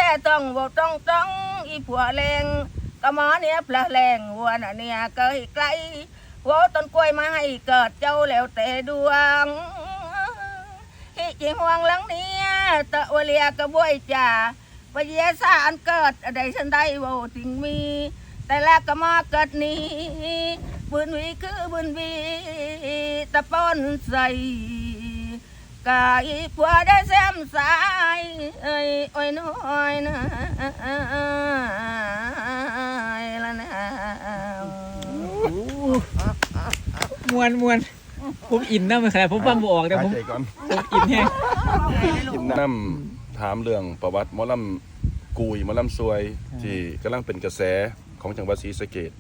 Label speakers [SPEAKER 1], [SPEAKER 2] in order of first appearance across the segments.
[SPEAKER 1] ต้องบอกต้องอีผัวแรงก็หมอเนี่ยพระแรงวัวน่ะเนี่ยเกยไกลหัวต้นกล้วยมาให้เกิดเจ้าแล้วแต่ดวงฮิจิห่วงหลังเนี่ยตะวเลียกระบวยจ่าปะเยสาอันเกิดอะไรฉันได้ว่าสิ่งมีแต่ละก็มาเกิดนี้บุญวีคือบุญวีตะปนใส่กายผัวได้แซมสายเอ้ยโอ้ยน้อยนะละนะ
[SPEAKER 2] มวนผมอินนะมันขนาดผมฟังบ่ออกแต่ผมอินแฮง
[SPEAKER 3] กินน้ำถามเรื่องประวัติหมอลำกุยหมอลำซวยที่กำลังเป็นกระแสของจังหวัดศรีสะเกษ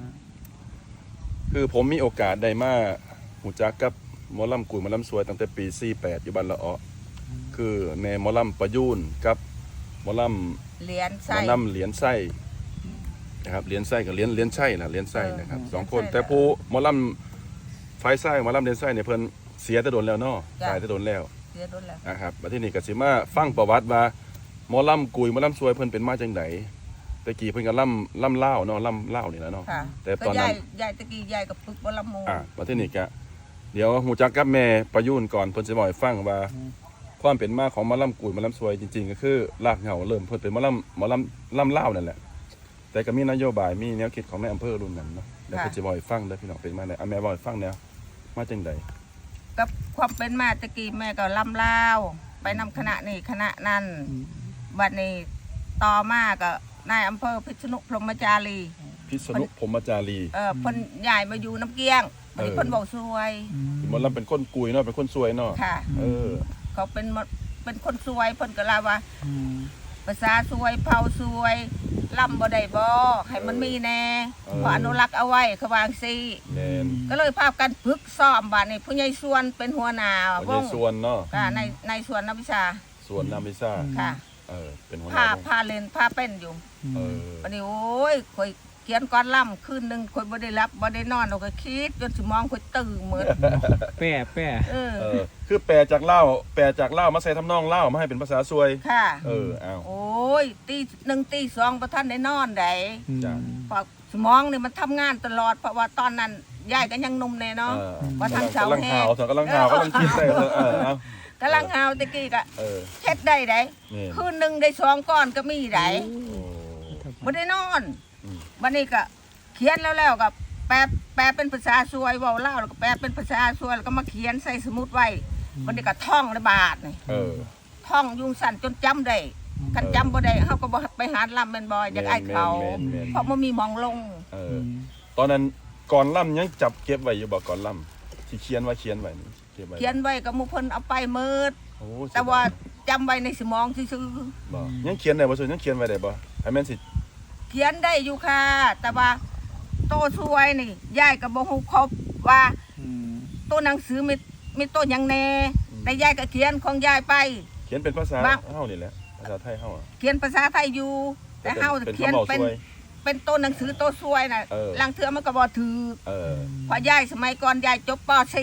[SPEAKER 3] คือผมมีโอกาสได้มาหูจักกับหมอลำกุยหมอลำซวยตั้งแต่ปี48อยู่บ้านละอ้อคือแม่หมอลำประยูนกับหมอลำ
[SPEAKER 1] เหรียญไส้
[SPEAKER 3] เหรียญไส้นะครับเหรียญไส้กับเหรียญไส้นะเหรียญไส้นะครับ2คนแต่ผู้หมอลำไฟไส้หมอลำเหรียญไส้เนี่ยเพิ่นเสียแต่โดนแล้วเนาะตายแต่โดนแล้วนะครับมาที่นี่ก็สิมาฟังประวัติว่าหมอลำกุยหมอลำซวยเพิ่นเป็นมาจังไดตะกี้เพิ่นก็ล่ำเล่าเนาะล่ำเล่านี่แหละเนาะแต่ตอนนั้น
[SPEAKER 1] ยายตะกี้ยายกับปึกบ่ลำโม
[SPEAKER 3] มาที่นี่ก็เดี๋ยวหูจักกับแม่ประยูนก่อนเพิ่นสิบอกให้ฟังว่าความเป็นมาของหมอลำกุยหมอลำซวยจริงๆก็คือรากเหง้าเริ่มเพิ่นเป็นหมอลำเล่านั่นแหละแต่ก็มีนโยบายมีแนวคิดของในอำเภอรุ่นนั้นเนาะเดี๋ยวเพิ่นสิบอกให้ฟังเด้อพี่น้องเป็นมาได้แม่บอกให้ฟังแนวมาจังได
[SPEAKER 1] กับความเป็นมาตะกี้แม่ก็ลำลาวไปนำคณะนี่คณะนั้นบัดนี้ต่อมาก็นายอำเภอพิษณุพรหมจารี
[SPEAKER 3] เ
[SPEAKER 1] พิ่นย้ายมาอยู่น้ำเกี้ยงบัดนี้เพิ่นบอกซวย
[SPEAKER 3] หมอลำเป็นคนกุยเนาะเป็นคนซวยเนาะ
[SPEAKER 1] ค่ะเขาเป็นคนซวยเพิ่นก็ลาว่าภาษาซวยเผาซวยลำบ่ได้บ่ให้มันมีแน่ขออนุรักษ์เอาไว้เขาวางซี่ก็เลยพากันฝึกซ้อมบัดนี้ผู้ใหญ่ส่วนเป็นหัวหน้าวง
[SPEAKER 3] ส่วนเนาะ
[SPEAKER 1] ค่ะในส่วนนักวิชาค่ะ
[SPEAKER 3] เป็นหัวห
[SPEAKER 1] น้าพาเล่นพาเป็นอยู่วันนี้โอ้ยคอยเขียนก้อนล่ำคืนหนึ่งคอยบ่ได้รับบ่ได้นอนเราก็คิดจนสมองคอยตื่นเหมือน
[SPEAKER 2] แปะ
[SPEAKER 3] คือแปลจากเล่ามาใส่ทำนองเล่ามาให้เป็นภาษาซวย
[SPEAKER 1] ค่ะ
[SPEAKER 3] เอา
[SPEAKER 1] โอ้ยตี 1 ตี 2ประท่านได้นอนได้เพราะสมองนี่มันทำงานตลอดเพราะว่าตอนนั้นยายก็ยังนุ่มแน่เนาะว่าทางเสาแห้ง
[SPEAKER 3] กำลังคิดได้
[SPEAKER 1] กำลังหาวตะกี้ก็เช็ดได้คืนหนึ่งได้2 ก้อนก็มีได้บ่ได้นอนวันนี้ก็เขียนแล้วก็แปลเป็นภาษาซวยเว้าเล่าแล้วก็แปลเป็นภาษาซวยแล้วก็มาเขียนใส่สมุดไว้วันนี้ก็ท่องระบาดนี่ท่องยุงสั่นจนจำได้คันจำบ่ได้เขาก็บ่ไปหาลำเป็นบ่อยจากไอ้เขาเพราะมันมีมองลง
[SPEAKER 3] ตอนนั้นก่อนล่ำยังจับเก็บไว้อยู่บ่ก่อนล่ำที่เขียนไว้นี่
[SPEAKER 1] เขียนไว้ก็หมู่เพิ่นเอาไปมืดแต่ว่าจำไว้ในสมองซื่อ
[SPEAKER 3] ๆยังเขียนได้บ่ยังเขียนไว้ได้บ่ให้แม่นสิ
[SPEAKER 1] เขียนได้อยู่ค่ะแต่ว่าโตช่วยนี่ยายก็บ่ฮู้ครบว่าตัวหนังสือมีตัวหยังแน่แต่ยายก็เขียนของยายไป
[SPEAKER 3] เขียนเป็นภาษาเฮานี่แหละภาษาไทยเฮา
[SPEAKER 1] เขียนภาษาไทยอยู่แต่เฮาเขียนเป็นตัวหนังสือตัวช่วยน่ะลังเทื่อมันก็บ่ถือเพราะยายสมัยก่อนยายจบป .4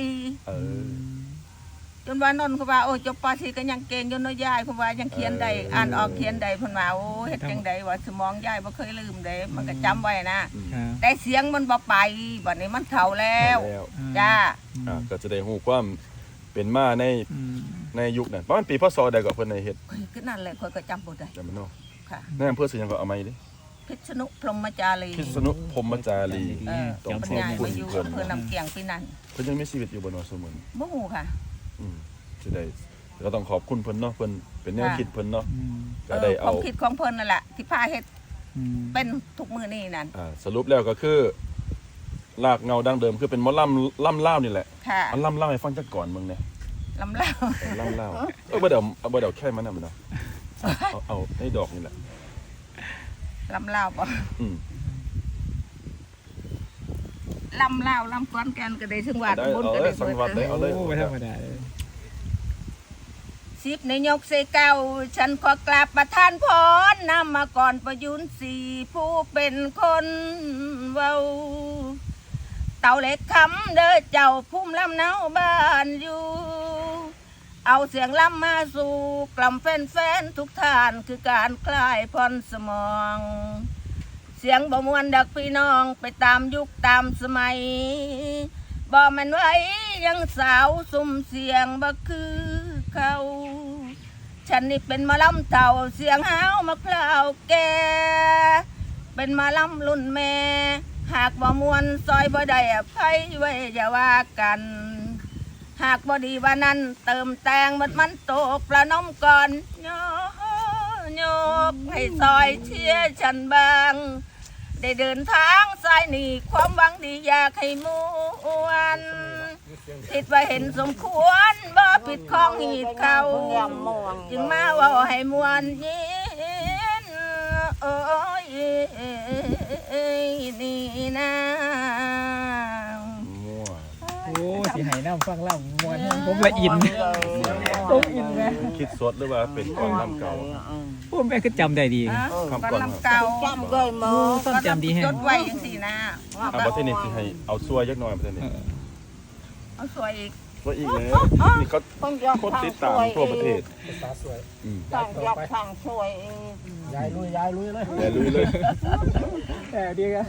[SPEAKER 1] จนว่านนท์เขาว่าโอ้จบป .4 ก็ยังเก่งอยู่เนาะยายเพราะว่ายังเขียนได้อ่านออกเขียนได้เพิ่นว่าโอ้เฮ็ดจังได๋ว่าสมองยายบ่เคยลืมเด้มันก็จำไว้นะแต่เสียงมันบ่ไปบัดนี้มันเฒ่าแล้วจ้า
[SPEAKER 3] ก็จะได้ฮู้ความเป็นมาในยุคนั้นประมาณปีพศใดก็เพิ่นได้เฮ็ด
[SPEAKER 1] คือนั่นแหละข้อยก็จำบ่ได้
[SPEAKER 3] จำบ่เนาะ
[SPEAKER 1] ค่ะ
[SPEAKER 3] ในอำเภอสิหยังก็เอาใหม่ดิ
[SPEAKER 1] พิษณุพรหมจารี
[SPEAKER 3] ต้องขอบคุณ
[SPEAKER 1] เพิ่นนำเกียงปีนั้น
[SPEAKER 3] เพิ่นยังมีชีวิตอยู่บ่เนาะซุมื้อ
[SPEAKER 1] บ่ฮู้ค่ะ
[SPEAKER 3] สิได้ก็ต้องขอบคุณเพิ่นเนาะเพิ่นเป็นแนวคิดเพิ่นเนาะก็ได้เอา
[SPEAKER 1] ความคิดของเพิ่นนั่นแหละที่พาเฮ็ดเป็นทุกมื้อนี้นั่น
[SPEAKER 3] สรุปแล้วก็คือรากเงาดั้งเดิมคือเป็นหมอล่ำเล่านี่แหละอันล่ำเล่าให้ฟังจักก่อนมึงเนี่ย
[SPEAKER 1] ล่ำเล่า
[SPEAKER 3] บ่เดี๋ยวแค่มันน่ะมันเนาะเอาให้ดอกนี่แหละ
[SPEAKER 1] ล่ำเล่าป่ะล่ำเล่าล่ำก้อนแกนก็ได้สังวัดบนก็ได้
[SPEAKER 3] สังวัดได้เอาเลย
[SPEAKER 2] ไม่ธรรมดา
[SPEAKER 1] สิบในยกเสเก้าฉันขอกราบประทานพรนำมาก่อนประยุน4ผู้เป็นคนเว้าเต่าเล็กคำเด้อเจ้าพุ่มลำเนาบ้านอยู่เอาเสียงล่ำมาสู่กล่อมแฟนๆทุกท่านคือการคลายผ่อนสมอง เสียงบ่มวนดักพี่น้องไปตามยุคตามสมัยบ่แม่นไว้ยังสาวสุ่มเสียงบ่คือเขาฉันนี่เป็นหมอลำเต่าเสียงห้าวมะพร้าวแก่เป็นหมอลำรุ่นแม่หากบ่มวนซอยบ่ได้อภัยไว้อย่าว่ากัน หากบ่ดีว่านั้นเติมแต่งมันตกประนมก่อนโยกให้ซอยเชียร์ฉันบางได้เดินทางสายนี้ความหวังดีอยากให้มวนคิดว่าเห็นสมควรบ่ผิดของหีดเขาจึงมาว่าให้มวนยินโอ้ยนี่นะ
[SPEAKER 2] โอ้สิให้น้ำฟังเล่ามวนผมละอินผมอินไง
[SPEAKER 3] คิดสดหรือว่าเป็นก่อนลำเก่า
[SPEAKER 2] ผมแม่คือจำได้ดี
[SPEAKER 3] คำก่อน
[SPEAKER 1] ลำเก่า
[SPEAKER 4] จำเคยมา
[SPEAKER 2] ต้องจำดีแฮะ
[SPEAKER 1] จดไว้ยังสี่นะ
[SPEAKER 3] เอาประเทศนี้สิให้เอาซัวยักหน่อยประเทศนี้
[SPEAKER 1] เอาสวยอีก
[SPEAKER 3] ซัวอีกเลยนี่เขา
[SPEAKER 4] ต้องยก
[SPEAKER 3] คนติดตามทั่วประเทศ
[SPEAKER 4] ต้องยกทางช่วย
[SPEAKER 5] ยายลุยเลย
[SPEAKER 3] แต่ลุยเลย
[SPEAKER 2] แต่ดีกัน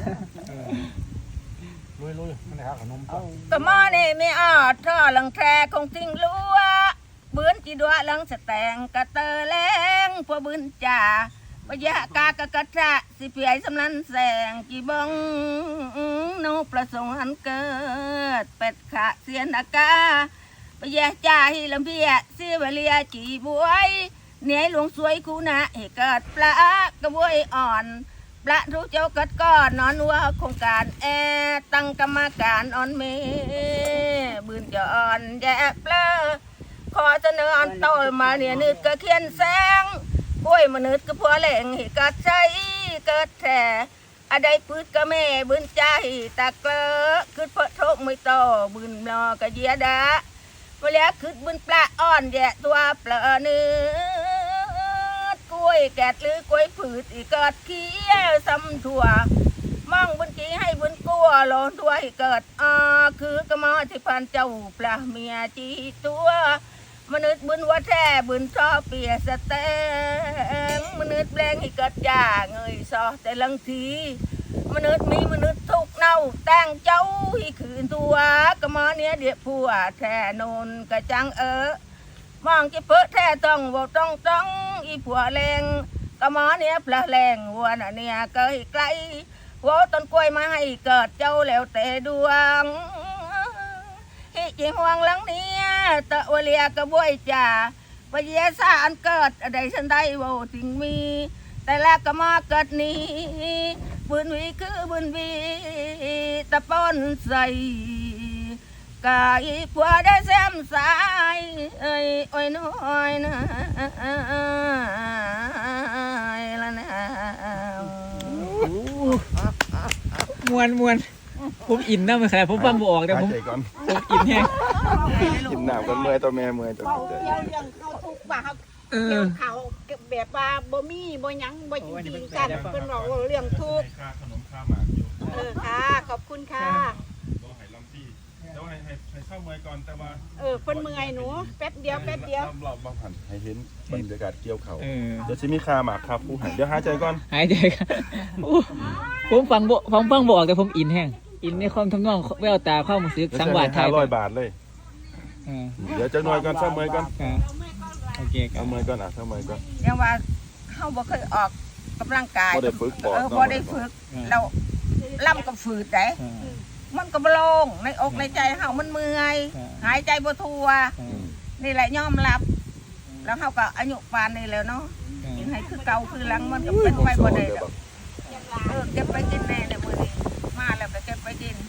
[SPEAKER 5] ลุยมันนะครับขนมปัง
[SPEAKER 1] ก็มอนี่ไม่ออดท่อหลังแทรคงทิ้งลัวบืนจีดัวหลังสแตงกระเตอแรงพวบืนจ่าปะยะกากะกะทะสิเปียสำนันแสงจีบงนกประสงค์อันเกิดเป็ดขะเสียนอากาปะยะจ่าฮิลำเพียเสียเวเลียจีบวยเหนียหลวงสวยคูนะให้เกิดปลากระบวยอ่อนปละรู้เจ้ากัดก้อนนอนวัวโครงการตั้งกรรมการอ่อนเมบืนจะอ่อนแย่เปลอขอเสนออ่อนโตมาเนี่ยนึกก็เขียนแสงกล้วยมนุษย์ก็พัวแหล่งให้กัดใจเกิดแท้อะไรพืชก็แม่บืนใจตะเกลอคือเพราะโทกไม่โตบืนนอกระเยียดาเวลาคือบืนปลาอ่อนแย่ตัวเปลอเนื้อกล้วยแกดหรือกล้วยผืดอีกเกิดเขี้ยวซ้ำถั่วมองบนกี้ให้บนกลัวโลนตัวให้เกิดคือกระมอที่พันเจ้าปลาเมียจีตัวมนุษย์บุญว่าแท้บุญชอเปียสแตงมนุษย์แปลงให้เกิดจ่าเงยซอแต่ลังทีมนุษย์มีมนุษย์ทุกเน่าแต่งเจ้าให้คืนตัวกระมอเนี้ยเดียผัวแท้นนกระจังมองจะเพื่อแท้ต้องบอกต้องอีผัวแรงกระมอเนี้ยปลาแรงวัวน่ะเนี่ยเกยไกลหัวต้นกล้วยมาให้เกิดเจ้าแล้วแต่ดวงฮิจิห่วงหลังเนี้ยตะวเลียกระบวยจ่าปะเยสาอันเกิดอะไรฉันได้โวถึงมี แต่ละกระมอเกิดนี้บืนวีคือบืนวีตะปนใส่กายผัวได้แซมสายเอ้ยโอ้ยน้อยนะละนะ
[SPEAKER 2] มวนผมอินนะมันขนาดผมฟังบ่ออกแต่ผม
[SPEAKER 3] หายใจก่อน
[SPEAKER 2] อินแฮง
[SPEAKER 3] กินน้ำกันเมื่อยตัวแม่เมื่อยตัว
[SPEAKER 4] เขา
[SPEAKER 3] ใจ
[SPEAKER 4] เลี้ยงเขาทุกปากเกี่ยวเขาแบบว่าบ่มีบ่ยังบ่จริงกันเป็นบอกว่าเลี้ยงทุก
[SPEAKER 3] ค่าขนมค่าหมากอยู่
[SPEAKER 4] ค่ะขอบคุณค่ะ
[SPEAKER 3] ก็ให้ลำที่แล้วให้เข้าเมื่อยก่อนแต่ว่า
[SPEAKER 4] เพิ่นเมื่อยหนูแป๊บเดียว
[SPEAKER 3] รอบๆบางผ่านให้เห็นบรรยากาศเกี่ยวเขา
[SPEAKER 2] เ
[SPEAKER 3] เดี๋ยวจะมีคาหมากคาผู้หายเดี๋ยวหายใจก่อน
[SPEAKER 2] หายใจกันผมฟังบ่ออกแต่ผมอินแฮงอินในความทำนองแววตาความรู้สึกสังวาสไทย
[SPEAKER 3] 500 บาทเลย เดี๋ยวจะหน่วยก่อนเข้าเมื่อยก่อน
[SPEAKER 2] โอเคครั
[SPEAKER 3] เข้า
[SPEAKER 2] บ
[SPEAKER 3] เมื่อยก่อนเข้าเมื่อยก่อน
[SPEAKER 1] ยังว่าเขาบ่เคยออกกำลังกาย
[SPEAKER 3] บ่ได้ฝึกปอด
[SPEAKER 1] บ่ได้ฝึกเราล่ำกับฝืดได้มันก็บโลงในอกในใจเฮามันเมื่อยหายใจบ่ทั่วนี่แหละยอมรับ แล้วเฮาก็อายุปานนี้แล้วเนาะกินให้คือเก่าคือหลังมันก็เป็นไปบ่ได้ดอกเก็บไปกินแน่เลยมื้อนี้มาแล้วก็เก็บไปกิน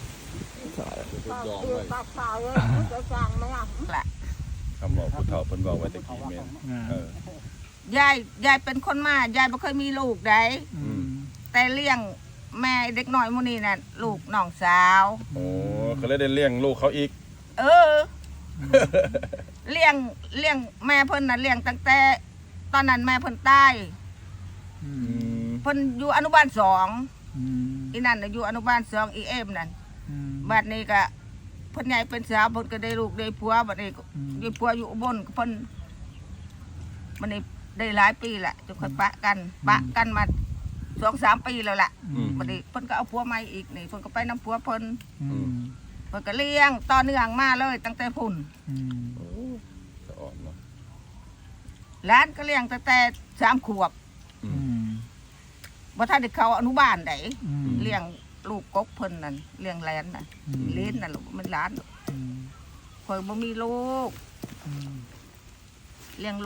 [SPEAKER 3] คำบอกผู้เฒ่าเพิ่นบอกไว้ตะกี้แม่น
[SPEAKER 1] ยายเป็นคนมายายบ่เคยมีลูกได้แต่เลี้ยงแม่เด็กน้อยมื้อนี้น่ะลูกน้องสาว
[SPEAKER 3] โอ้เขาเลยได้เลี้ยงลูกเขาอีก
[SPEAKER 1] เลี้ยงแม่เพิ่นน่ะเลี้ยงตั้งแต่ตอนนั้นแม่เพิ่นตายเพิ่นอยู่อนุบาล2อีนั่นน่ะอยู่อนุบาล2อีเอ็มนั่นบัดนี้ก็เพิ่นใหญ่เป็นสาวเพิ่นก็ได้ลูกได้ผัวบัดนี้ได้ผัวอยู่อุบลเพิ่นมันได้หลายปีแหละจะค่อยปะกันมา2-3 ปีแล้วล่ะบัดนี้เพิ่นก็เอาผัวใหม่อีกนี่เพิ่นก็ไปนำผัวเพิ่นเพิ่นก็เลี้ยงต่อเนื่องมาเลยตั้งแต่พุ่น
[SPEAKER 3] จะอ่อนเนาะ
[SPEAKER 1] หลานก็เลี้ยงตั้งแต่3 ขวบบ่ทันได้เข้าอนุบาลได้เลี้ยงลูกกกเพิ่นนั่นเลี้ยงแหลนน่ะเลี้ยนน่ะลูกมันหลานข่อยบ่มีลูกเลี้ยง